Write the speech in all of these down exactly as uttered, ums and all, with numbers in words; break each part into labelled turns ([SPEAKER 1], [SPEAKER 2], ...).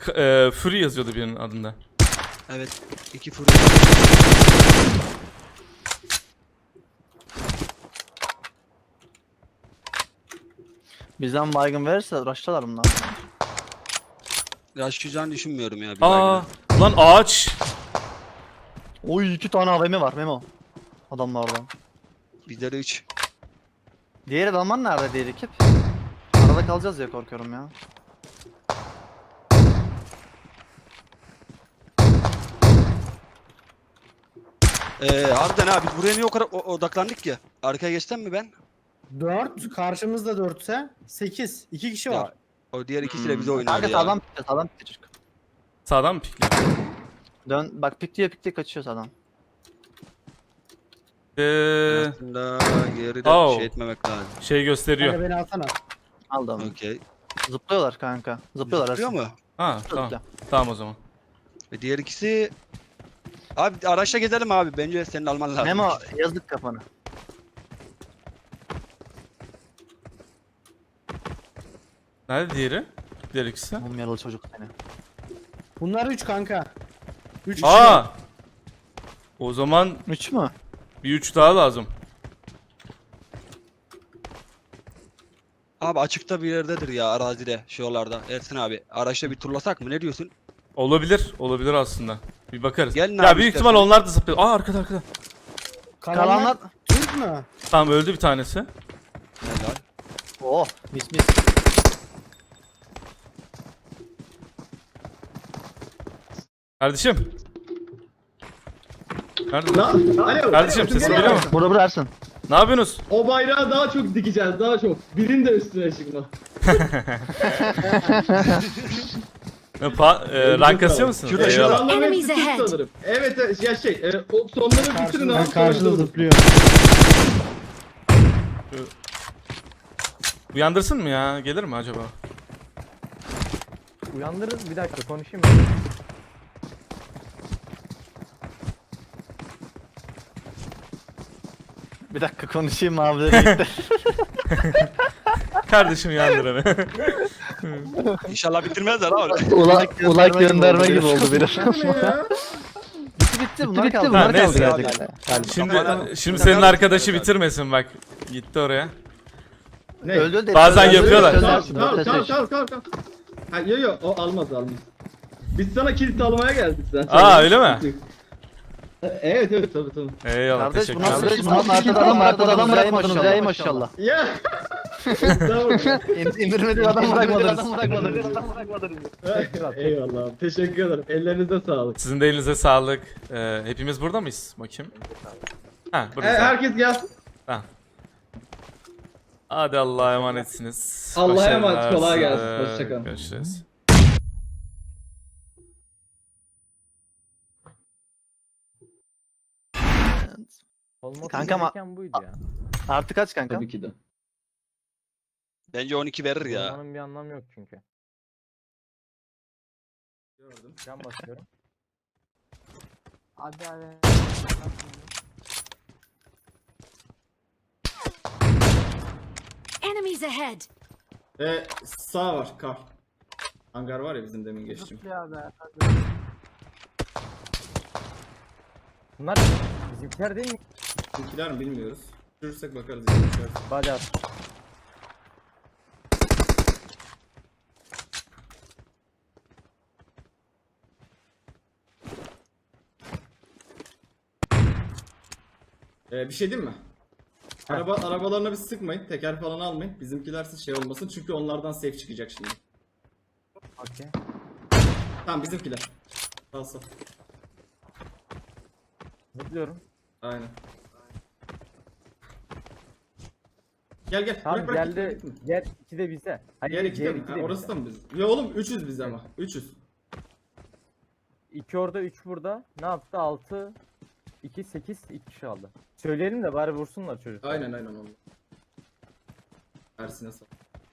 [SPEAKER 1] e, Fury yazıyordu birinin adında.
[SPEAKER 2] Evet. iki fırın.
[SPEAKER 3] Bizden baygın verirse rush'talar bunlar.
[SPEAKER 2] Yaşayacağını düşünmüyorum ya. Bir
[SPEAKER 1] Aa,
[SPEAKER 2] baygına.
[SPEAKER 1] lan ağaç.
[SPEAKER 3] Oy iki tane A V M var Memo. Adamlardan.
[SPEAKER 2] Bizde üç.
[SPEAKER 3] Diğer adamlar nerede diğer ekip? Arada kalacağız ya korkuyorum ya.
[SPEAKER 2] Ee, harbiden abi biz buraya niye o kadar o- odaklandık ya? Arkaya geçsem mi ben?
[SPEAKER 4] dört. Karşımızda dörtse sekiz. iki kişi
[SPEAKER 2] Ya,
[SPEAKER 4] var.
[SPEAKER 2] O diğer ikisi de bize oynuyor
[SPEAKER 3] Kanka
[SPEAKER 2] ya.
[SPEAKER 3] sağdan pikle sağdan pikle çocuk.
[SPEAKER 1] Sağdan mı pikliyor?
[SPEAKER 3] Dön bak pikliyor pikliyor kaçıyor sağdan.
[SPEAKER 1] Ee,
[SPEAKER 2] Aslında yeri de
[SPEAKER 1] Oh.
[SPEAKER 2] şey etmemek lazım.
[SPEAKER 1] şey gösteriyor.
[SPEAKER 4] Kanka beni alsana.
[SPEAKER 3] Aldım.
[SPEAKER 2] Okey.
[SPEAKER 3] Zıplıyorlar kanka. Zıplıyorlar
[SPEAKER 2] Zıplıyor
[SPEAKER 3] Ersin.
[SPEAKER 2] mu?
[SPEAKER 1] Ha tamam.
[SPEAKER 3] Zıpla.
[SPEAKER 1] Tamam o zaman.
[SPEAKER 2] Ve diğer ikisi... Abi araçla gezelim abi. Bence senin alman lazım.
[SPEAKER 3] Memo yazdık kafanı.
[SPEAKER 1] Nerede diğeri? Diğer ikisi.
[SPEAKER 3] Mum yaralı çocuk seni.
[SPEAKER 4] Bunlar üç kanka. üç kişi.
[SPEAKER 1] Aa! O zaman
[SPEAKER 3] Üç mü?
[SPEAKER 1] bir üç daha lazım.
[SPEAKER 2] Abi açıkta bir yerdedir ya arazide şuralarda. Ersin abi. Araçla bir turlasak mı? Ne diyorsun?
[SPEAKER 1] Olabilir. Olabilir aslında. Bir bakarız.
[SPEAKER 2] Gelin
[SPEAKER 1] ya
[SPEAKER 2] abi
[SPEAKER 1] büyük
[SPEAKER 2] istersen.
[SPEAKER 1] ihtimal onlar da zıplıyor. Aa arkada arkada.
[SPEAKER 4] Kalanlar,
[SPEAKER 3] Kalanlar...
[SPEAKER 4] Türk mü?
[SPEAKER 1] Tamam öldü bir tanesi.
[SPEAKER 2] Helal.
[SPEAKER 3] Oh mis mis.
[SPEAKER 1] Kardeşim. Nerede?
[SPEAKER 5] Lan, alo.
[SPEAKER 1] Kardeşim sesim geliyor mu?
[SPEAKER 3] Burada burada Ersin.
[SPEAKER 1] Ne yapıyorsunuz?
[SPEAKER 5] O bayrağı daha çok dikeceğiz, daha çok. Birin de üstüne çıkma.
[SPEAKER 1] E, Pa e, rank kasıyor musunuz?
[SPEAKER 2] Şurada,
[SPEAKER 1] Eyvallah.
[SPEAKER 2] şurada.
[SPEAKER 5] Adamların
[SPEAKER 6] Enemies
[SPEAKER 5] hepsi Türk
[SPEAKER 6] ahead.
[SPEAKER 5] sanırım. Evet, evet, ya şey, e, o sonları bitirin
[SPEAKER 4] Karşımda,
[SPEAKER 5] abi.
[SPEAKER 4] karşıda
[SPEAKER 5] sonra
[SPEAKER 4] zıplıyor.
[SPEAKER 1] Uyandırsın mı ya? Gelir mi acaba?
[SPEAKER 7] Uyandırırız, bir dakika konuşayım ben.
[SPEAKER 3] Bir dakika konuşayım abileri birlikte.
[SPEAKER 1] Kardeşim uyandır hemen.
[SPEAKER 2] İnşallah bitirmezler abi.
[SPEAKER 3] Ulak, ulak gönderme gibi oldu biraz.
[SPEAKER 5] Bu ne ya?
[SPEAKER 3] bitti bitti bunlar kaldı.
[SPEAKER 1] Ha,
[SPEAKER 3] Bunlar
[SPEAKER 1] neyse.
[SPEAKER 3] kaldı gerçekten.
[SPEAKER 1] Şimdi şimdi senin arkadaşı bitirmesin bak. Gitti oraya.
[SPEAKER 5] Ne?
[SPEAKER 3] Öldü öldü.
[SPEAKER 1] Bazen
[SPEAKER 3] Öldü,
[SPEAKER 1] yapıyorlar.
[SPEAKER 3] öldü,
[SPEAKER 5] Tamam,
[SPEAKER 3] Ersin,
[SPEAKER 5] tamam,
[SPEAKER 3] öldü,
[SPEAKER 5] tamam,
[SPEAKER 3] Ersin.
[SPEAKER 5] tamam, tamam, tamam. Ha, yo yo, o almaz, almaz. Biz sana kilit almaya geldik zaten.
[SPEAKER 1] Aa, öyle mi?
[SPEAKER 5] Evet, evet, tabii, tabii.
[SPEAKER 1] Eyvallah
[SPEAKER 3] Kardeş
[SPEAKER 1] teşekkür
[SPEAKER 3] bu nasıl
[SPEAKER 1] ederim.
[SPEAKER 3] iş? Bunlar arkada adam arkada adam bırakmadınız ya maşallah.
[SPEAKER 5] Ya. Tamam.
[SPEAKER 3] İndirmediği adam bırakmadınız.
[SPEAKER 5] Eyvallah abi, teşekkür ederim. Ellerinize sağlık.
[SPEAKER 1] Sizin de elinize sağlık. Ee, hepimiz burada mıyız? Bakayım. Ha
[SPEAKER 5] E,
[SPEAKER 1] buradayız.
[SPEAKER 5] herkes gelsin.
[SPEAKER 1] Hadi Allah'a emanetsiniz.
[SPEAKER 5] Allah'a emanet,
[SPEAKER 1] Başarılar
[SPEAKER 5] kolay
[SPEAKER 1] size.
[SPEAKER 5] gelsin. Hoşça kalın.
[SPEAKER 1] Görüşürüz.
[SPEAKER 7] Olması
[SPEAKER 3] Kanka ama-
[SPEAKER 7] gereken buydu ya.
[SPEAKER 3] Artı kaç kanka?
[SPEAKER 5] Tabii ki de.
[SPEAKER 2] Bence on iki verir ya.
[SPEAKER 7] Olmanın bir anlamı yok çünkü. Can basıyorum. Hadi hadi.
[SPEAKER 6] Enemies ahead.
[SPEAKER 5] E, sağ var, kar. Hangar var ya bizim demin geçtiğim.
[SPEAKER 7] Bunlar bizimkiler değil mi?
[SPEAKER 5] Bizimkiler mi bilmiyoruz. Görürsek bakarız. Bizimkiler.
[SPEAKER 7] Hadi at.
[SPEAKER 5] Ee, bir şey diyeyim mi? Araba, arabalarına bir sıkmayın. Teker falan almayın. Bizimkiler siz şey olmasın. Çünkü onlardan safe çıkacak şimdi.
[SPEAKER 7] Okey.
[SPEAKER 5] Tamam bizimkiler. Sağ sağ.
[SPEAKER 7] Zıplıyorum.
[SPEAKER 5] Aynen. Gel gel.
[SPEAKER 7] Tamam
[SPEAKER 5] bırak, bırak,
[SPEAKER 7] geldi.
[SPEAKER 5] gitme.
[SPEAKER 7] Gel iki de bize. Hayır,
[SPEAKER 5] Gel iki de
[SPEAKER 7] diğer
[SPEAKER 5] mi?
[SPEAKER 7] iki
[SPEAKER 5] Ha,
[SPEAKER 7] de
[SPEAKER 5] orası
[SPEAKER 7] bize.
[SPEAKER 5] da mı biz? Ya oğlum üçüz biz ama. üçüz.
[SPEAKER 7] İki orada, üç burada. Ne yaptı? Altı, iki, sekiz, iki kişi aldı. Söyleyelim de bari vursunlar çocuk.
[SPEAKER 5] Aynen aynen oğlum. Ersin'e sağ.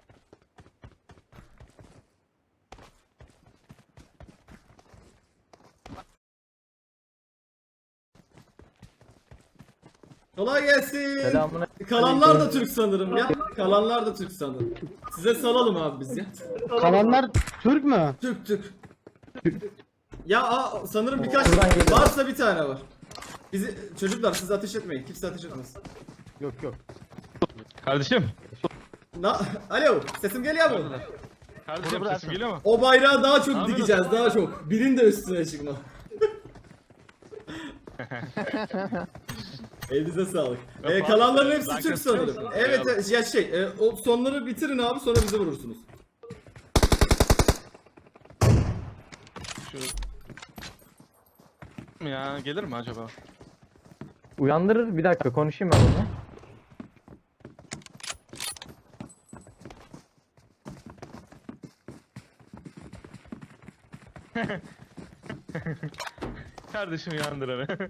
[SPEAKER 5] Kolay gelsin.
[SPEAKER 7] Selamına.
[SPEAKER 5] Kalanlar da Türk sanırım ya. Kalanlar da Türk sanırım. Size salalım abi biz ya.
[SPEAKER 4] Kalanlar Türk mü?
[SPEAKER 5] Türk Türk. Ya aa, sanırım birkaç
[SPEAKER 7] Buradan geliyor.
[SPEAKER 5] varsa bir tane var. Bizi çocuklar siz ateş etmeyin. Kimse ateş etmesin.
[SPEAKER 7] Yok yok.
[SPEAKER 6] Kardeşim.
[SPEAKER 5] Na Alo, sesim geliyor mu?
[SPEAKER 6] Kardeşim sesim geliyor mu?
[SPEAKER 5] O bayrağı daha çok
[SPEAKER 6] Abi
[SPEAKER 5] dikeceğiz, daha çok. Birin de üstüne çıkma. Elinize sağlık.
[SPEAKER 6] Ya
[SPEAKER 5] Ee,
[SPEAKER 6] Fatih,
[SPEAKER 5] kalanların hepsi
[SPEAKER 6] ben
[SPEAKER 5] Türk
[SPEAKER 6] kaçıyor
[SPEAKER 5] sanırım.
[SPEAKER 6] musun?
[SPEAKER 5] Evet,
[SPEAKER 6] Eyvallah.
[SPEAKER 5] evet, ya şey, e, o sonları bitirin abi, sonra bizi vurursunuz.
[SPEAKER 6] Şu... Ya gelir mi acaba?
[SPEAKER 7] Uyandırır. Bir dakika konuşayım ben onunla.
[SPEAKER 6] Kardeşim uyandır beni.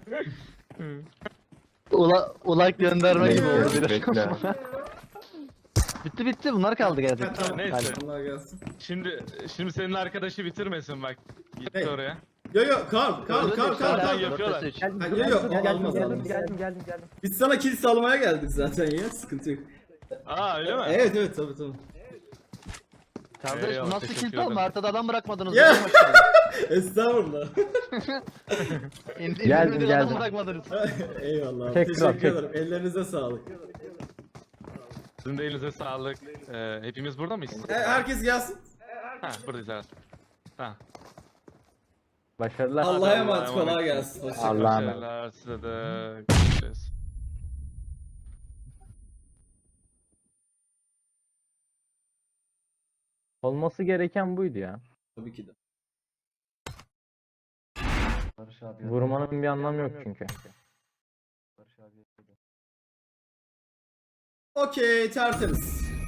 [SPEAKER 3] Ula, ulak gönderme gibi oldu biraz.
[SPEAKER 8] Bekle.
[SPEAKER 3] bitti bitti bunlar kaldı
[SPEAKER 5] Ha,
[SPEAKER 3] gerçekten.
[SPEAKER 5] tamam.
[SPEAKER 6] Neyse.
[SPEAKER 5] Allah gelsin.
[SPEAKER 6] Şimdi şimdi senin arkadaşı bitirmesin bak. Gitti
[SPEAKER 5] Ne?
[SPEAKER 6] oraya.
[SPEAKER 5] Yo yo, Karl, Karl, Karl, Karl,
[SPEAKER 6] Zaten
[SPEAKER 5] Karl.
[SPEAKER 6] yapıyorlar.
[SPEAKER 7] Geldim,
[SPEAKER 5] Ha,
[SPEAKER 7] geldim,
[SPEAKER 5] yok, yok,
[SPEAKER 7] geldim,
[SPEAKER 5] almaz,
[SPEAKER 7] geldim,
[SPEAKER 5] almaz.
[SPEAKER 7] geldim, geldim, geldim.
[SPEAKER 5] Biz sana kill salmaya geldik zaten ya, sıkıntı yok.
[SPEAKER 6] Aa öyle mi?
[SPEAKER 5] Evet evet, tabii tabii.
[SPEAKER 3] Kardeş bu
[SPEAKER 6] Eyvallah,
[SPEAKER 3] nasıl
[SPEAKER 6] teşekkür
[SPEAKER 3] kill alma?
[SPEAKER 6] ederim.
[SPEAKER 3] Haritada adam bırakmadınız.
[SPEAKER 5] Ya!
[SPEAKER 3] Ya.
[SPEAKER 5] Estağfurullah.
[SPEAKER 7] Geldim,
[SPEAKER 3] Adam
[SPEAKER 7] geldim.
[SPEAKER 3] bırakmadınız.
[SPEAKER 5] Eyvallah abi,
[SPEAKER 7] Tekrar,
[SPEAKER 5] teşekkür
[SPEAKER 7] tek-
[SPEAKER 5] ederim. Ellerinize sağlık.
[SPEAKER 6] Sizin de elinize sağlık. Ee, hepimiz burada mıyız?
[SPEAKER 5] E, herkes gelsin.
[SPEAKER 6] Ha buradayız evet. Ha.
[SPEAKER 7] Başarılar.
[SPEAKER 5] Allah'a emanet,
[SPEAKER 6] Allah'a
[SPEAKER 5] kolay
[SPEAKER 6] emanet.
[SPEAKER 5] gelsin. Hoşçakalın.
[SPEAKER 7] Allah'a emanet.
[SPEAKER 6] Başarılar size de. Görüşürüz.
[SPEAKER 7] Olması gereken buydu ya.
[SPEAKER 5] Tabii ki de.
[SPEAKER 7] Vurmanın bir anlamı yok çünkü.
[SPEAKER 5] Okey, tertemiz.